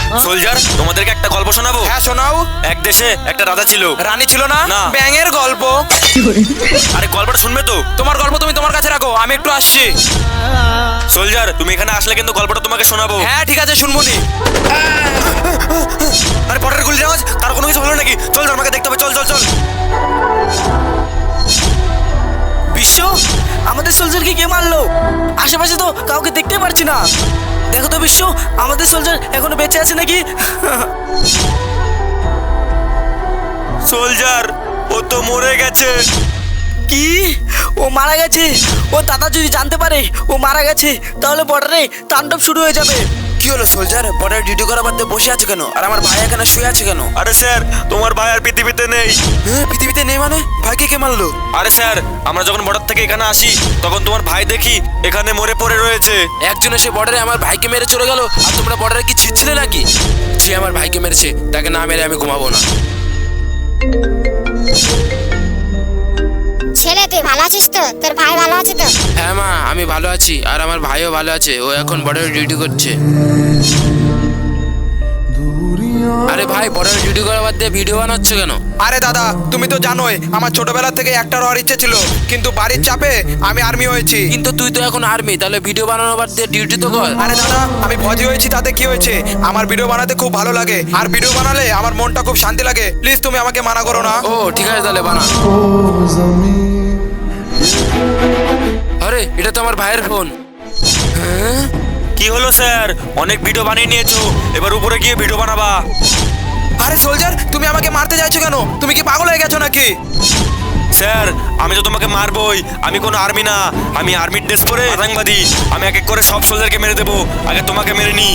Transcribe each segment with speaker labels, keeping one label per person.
Speaker 1: Soldier, তোমাদেরকে একটা গল্প শোনাবো।
Speaker 2: হ্যাঁ শোনাও।
Speaker 1: এক দেশে একটা রাজা ছিল।
Speaker 2: রানী ছিল না?
Speaker 1: না।
Speaker 2: ব্যাঙের গল্প।
Speaker 1: আরে গল্পটা শুনবে তো?
Speaker 2: তোমার গল্প তুমি তোমার কাছে রাখো, আমি একটু আসছি।
Speaker 1: সোলজার, তুমি এখানে আসলে কিন্তু গল্পটা তোমাকে শোনাবো।
Speaker 2: হ্যাঁ ঠিক আছে, শুনবনি।
Speaker 1: আরে পটের গুলির আওয়াজ, তার কোনো কিছু হলো নাকি? চল চল, আমাকে দেখতে হবে, চল চল চল।
Speaker 3: বিশ্ব, আমাদের সোলজারকে কে মারলো? আশেপাশে তো কাউকে দেখতে পারছি না। দেখো তো বিশ্ব, আমাদের সোলজার এখনো বেঁচে আছে নাকি?
Speaker 1: সোলজার, ও তো মরে গেছে।
Speaker 3: কি? ও মারা গেছে? ও দাদা যদি জানতে পারে ও মারা গেছে, তাহলে বর্ডারে তাণ্ডব শুরু হয়ে যাবে।
Speaker 2: কি হলো সোলজার, বর্ডার ডিউটি করা বাদ দিয়ে বসে আছে কেন? আর আমার ভাই এখানে শুয়ে আছে কেন?
Speaker 1: আরে স্যার, তোমার ভাই আর পৃথিবীতে নেই।
Speaker 2: হ্যাঁ, পৃথিবীতে নেই মানে? ভাইকে কে মারলো?
Speaker 1: আরে স্যার, আমরা যখন বর্ডার থেকে এখানে আসি তখন তোমার ভাই দেখি এখানে মরে পড়ে রয়েছে।
Speaker 4: একজন এসে বর্ডারে আমার ভাইকে মেরে চলে গেল, আর তোমরা বর্ডারে কি ছিঁচ্ছিলে নাকি? যে আমার ভাইকে মেরেছে তাকে না মেরে আমি ঘুমাবো না।
Speaker 5: ছেলে তুই ভালো আছিস তো? তোর ভাই ভালো আছে তো?
Speaker 4: হ্যাঁ মা, আমি ভালো আছি, আর আমার ভাইও ভালো আছে। ও এখন বর্ডারে ডিউটি করছে। আরে ভাই, বর্ডারে ডিউটি করা বাদ দিয়ে ভিডিও বানাচ্ছ কেন?
Speaker 2: আরে দাদা, তুমি তো জানোই আমার ছোটবেলা থেকে অ্যাক্টর হওয়ার ইচ্ছে ছিল, কিন্তু বাড়ির চাপে আমি আর্মি হয়েছি।
Speaker 4: কিন্তু তুই তো এখন আর্মি, তাহলে ভিডিও বানানো বাদ দিয়ে ডিউটি তো কর।
Speaker 2: আরে দাদা, আমি ফৌজি হয়েছি তাতে কি হয়েছে? আমার ভিডিও বানাতে খুব ভালো লাগে, আর ভিডিও বানালে আমার মনটা খুব শান্তি লাগে। প্লিজ তুমি আমাকে মানা করো না।
Speaker 4: ও ঠিক আছে, তাহলে বানা। আরে এটা তো আমার ভাইয়ের ফোন। হ্যাঁ,
Speaker 1: কি হলো স্যার? অনেক ভিডিও বানিয়ে নিয়েছো, এবার উপরে গিয়ে ভিডিও বানাবা।
Speaker 2: আরে সোলজার, তুমি আমাকে মারতে চাইছো কেন? তুমি কি পাগল হয়ে গেছো নাকি?
Speaker 1: স্যার, আমি তো তোমাকে মারবই। আমি কোনো আর্মি না, আমি আর্মির ড্রেস পরে আতঙ্কবাদী। আমি এক এক করে সব সোলজারকে মেরে দেবো, আগে তোমাকে মেরে নি।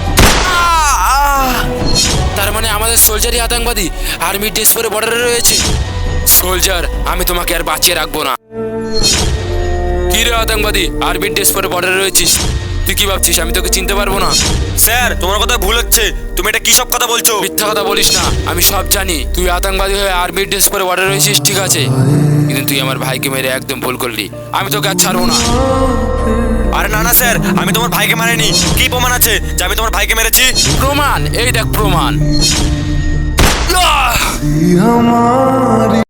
Speaker 4: তার মানে আমাদের সোলজারই আতঙ্কবাদী, আর্মি ড্রেস পরে বর্ডারে রয়েছে। সোলজার, আমি তোমাকে আর বাঁচিয়ে রাখবো না। কি রে আতঙ্কবাদী, আর্মির ড্রেস পরে বর্ডারে রয়েছিস? তুই কি ভাবছিস আমি তোকে চিনতে পারবো না?
Speaker 1: স্যার, তোমার কথা ভুল হচ্ছে। তুমি এটা কি সব কথা বলছো?
Speaker 4: মিথ্যা কথা বলিস না, আমি সব জানি। তুই আতঙ্কবাদী হয়ে আর্মির ড্রেস পরে বর্ডারে রয়েছিস, ঠিক আছে, কিন্তু তুই আমার ভাইকে মেরে একদম ভুল করলি। আমি তোকে আর ছাড়বো না।
Speaker 1: আরে না না স্যার, আমি তোমার ভাইকে মারিনি। কি প্রমাণ আছে যে আমি তোমার ভাইকে মেরেছি?
Speaker 4: প্রমাণ? এই দেখ প্রমাণ।